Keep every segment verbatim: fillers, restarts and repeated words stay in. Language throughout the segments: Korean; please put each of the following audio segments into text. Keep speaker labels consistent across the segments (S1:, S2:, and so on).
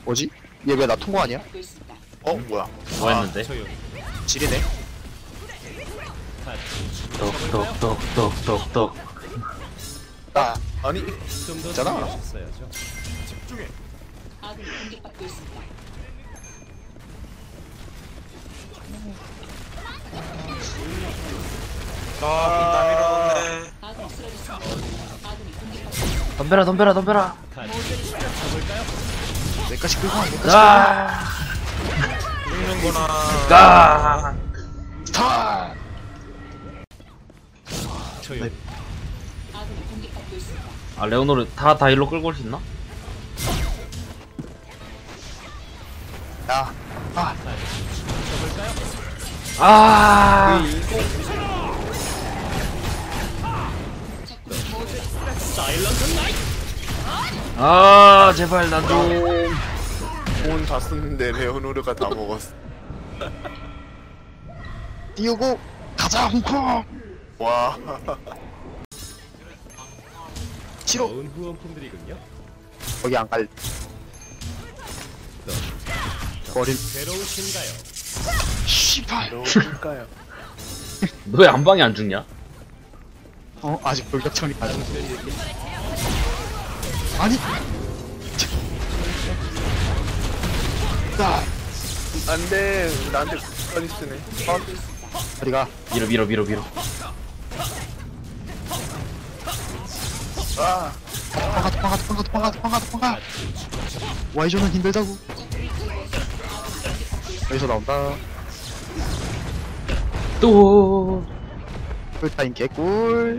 S1: 뭐지? 얘 왜 나 통과 아니야? 어? 뭐야?
S2: 뭐 했는데?
S1: 지리네?
S2: 똑똑똑똑똑똑.
S1: 아 아니 있잖아.
S3: 아, 빈땀 밀어넣네.
S2: 덤벼라 덤벼라 덤벼라.
S1: 내까지 끌고 와. 내까지
S2: 아!
S3: 죽는구나.
S2: 가!
S1: 스타.
S2: 아 레오노를 다 다 일로 끌고 올 수 있나?
S1: 야. 아.
S2: 아! 아 제발 나 좀.
S3: 돈 다 썼는데 레오노르가 다 먹었어.
S1: 띄우고 가자 홍콩.
S3: 와.
S1: 싫어.
S4: 후원품들이군요.
S1: 거기 안 갈. 버릴.
S4: 괴로우신가요?
S1: 씨발.
S3: 레오노르일까요?
S2: 너 왜 안방에 안 죽냐?
S1: 어 아직 돌격청이 안. 아니. 나.
S3: 안돼. 나한테 빨리 쓰네.
S1: 어디가?
S2: 밀어 밀어 밀어 밀어.
S3: 아.
S1: 도망가 도망가 도망가 도망가 도망가 도망가. 와이존은 힘들다고. 여기서 나온다.
S2: 또.
S1: 풀타임 개꿀.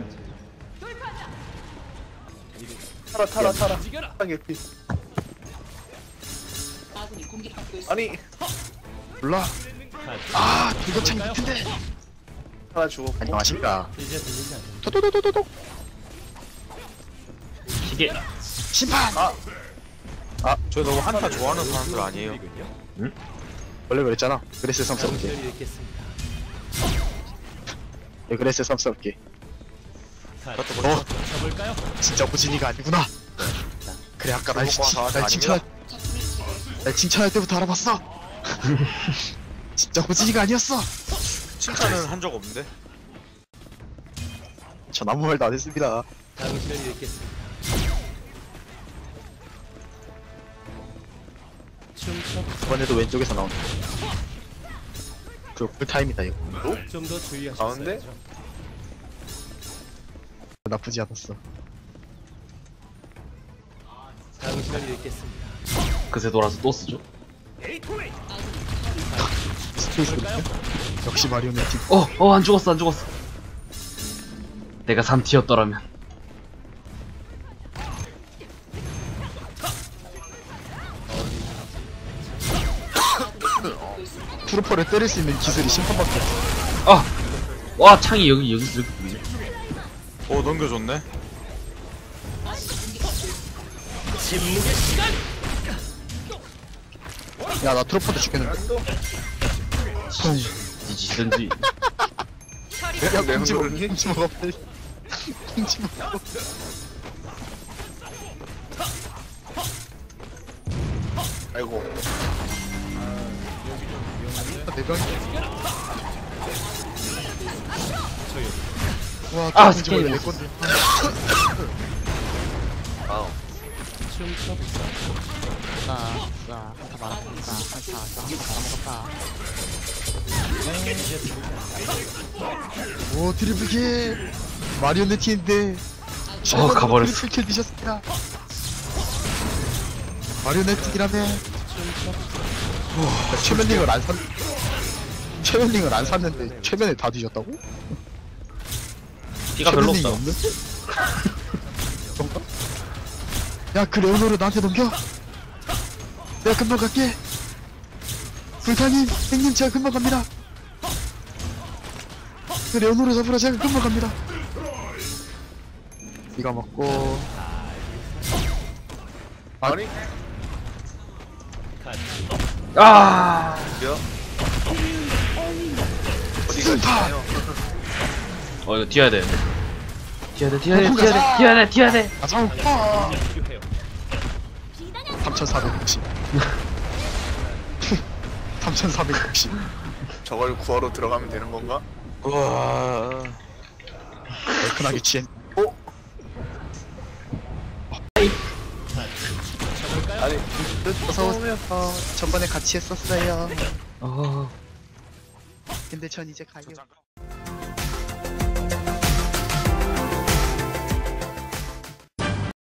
S3: 타라 타라 타라. 타게 피. 아니.
S1: 몰라. 아 돌격청이 밑인데.
S3: 타라 죽었고.
S1: 안녕하십니까.
S4: 이제 들리지 않는
S1: 도도도도도도.
S2: 기계.
S1: 심판.
S3: 아. 아, 저 너무 한타 좋아하는 사람들 아니에요.
S4: 후원품들이군요.
S1: 원래 그랬잖아. 그레스 썸스럽게.
S4: 당신을 읽겠습니다.
S1: 예, 그레스 썸스럽게.
S3: 그것도
S1: 어
S3: 뭐
S4: 쳐볼까요?
S1: 진짜 호진이가 아니구나. 그래 아까 날,
S3: 중국과
S1: 칭-
S3: 사와서
S1: 날 칭찬할 날 칭찬할 때부터 알아봤어. 진짜 호진이가 아니었어.
S3: 칭찬은 한 적 없는데.
S1: 전 아무 말도 안 했습니다.
S4: 당신을 읽겠습니다. 춤춰
S1: 이번에도 왼쪽에서 나온다. 그 풀타임이다 이거.
S4: 좀더 주의하셨어야죠.
S3: 가운데?
S1: 나쁘지 않았어.
S4: 당신을 읽겠습니다.
S2: 그새 돌아서 또 쓰죠.
S1: 스페이스 역시 마리오네티.
S2: 어, 어, 안 죽었어, 안 죽었어. 내가 삼 티였더라면.
S1: 트루퍼를 때릴 수 있는 기술이 심판밖에 없어.
S2: 아! 와, 창이 여기, 여기, 여기, 여기.
S3: 오, 넘겨줬네.
S1: 야, 나 트루퍼도 죽겠는데.
S2: 뒤지든지.
S1: 야, 꽁치 먹어.
S3: 레오노르니?
S1: 꽁치 먹어, 빨리. 꽁치 먹어.
S3: 아이고.
S1: 내 병이. 와,
S2: 아,
S1: 꽁치 먹어, 내
S2: 스케일.
S1: 건데.
S3: 아우.
S4: 춤춰
S1: 오, 트리플킬. 마리오네티인데.
S2: 어, 가버렸어.
S1: 트리플킬 드셨습니다. 마리오네티라며. 오, 최면링을 안 샀. 최면링을 안 샀는데 최면에 다 뒤졌다고?
S2: 피가 별로
S1: 최면링이
S2: 없다.
S1: 없는데? 그런가? 야, 그 레오노를 나한테 넘겨. 내가 금방 갈게. 불타님, 형님 제가 금방 갑니다. 그 레오노를 잡으러 제가 금방 갑니다. 이거 먹고.
S3: 아니?
S2: 아!
S3: 몇? 어디가 있나요?
S2: 어, 이거 튀어야 돼. 튀어야 돼, 튀어야 돼, 튀어야 돼, 튀어야 돼, 튀어야 돼.
S1: 아, 잠깐.
S4: 필요해요.
S1: 삼천사백육십. 삼천사백육십.
S5: 저걸 구하러 들어가면 되는 건가?
S3: 우와.
S1: 얼큰하게 취했.
S5: 아니
S1: 어서오세요. 전번에 같이 했었어요.
S2: 어...
S1: 근데 전 이제 가요.
S3: 잠깐.